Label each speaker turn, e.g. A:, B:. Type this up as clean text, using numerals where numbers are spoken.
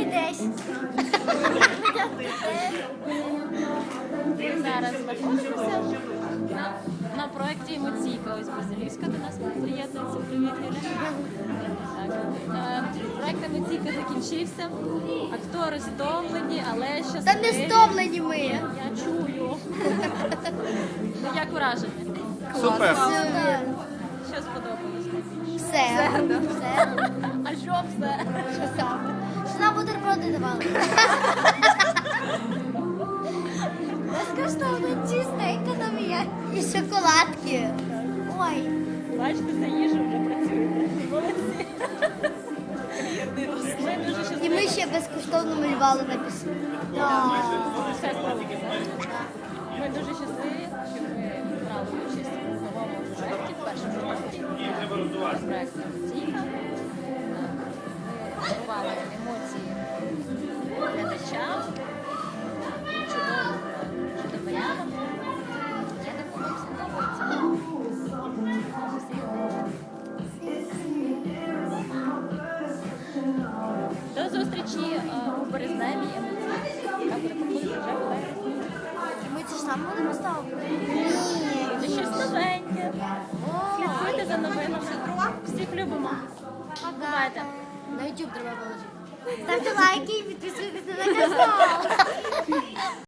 A: 10.
B: Зараз знаходимося на проєкті «Емоційка». Ось Базилівська до нас приєднується. Привіт, Юля. Проєкт «Емоційка» закінчився. Актори стомлені, але щасливі.
A: Та не стомлені ми.
B: Я чую. Як враження?
C: Супер.
B: Що сподобалось найбільше?
A: Все.
B: А що все?
A: Що саме? Що нам бутерброди давали? Безкоштовно чистенько там є. І шоколадки. Ой.
B: Бачите, за їжу вже працюєте. Молодці. Ми дуже
A: І
B: щасливі.
A: ми ще безкоштовно малювали на пісні.
B: Все сподобалося. Ми дуже щасливі, що ми брали участь в новому проєкті, в першому проєкті. Проєкт «Емоційка». Ми дарували емоції глядачам, чудовим Я не буду всім подобається. До зустрічі у березневій емоції, яка буде проходити вже в березні.
A: Ми ці ж саме будемо ставити?
B: Це щось новеньке. Слідкуйте за новинами. Всіх любимо. Бувайте.
A: На YouTube треба положити. Ставте лайки і підписуйтесь на канал.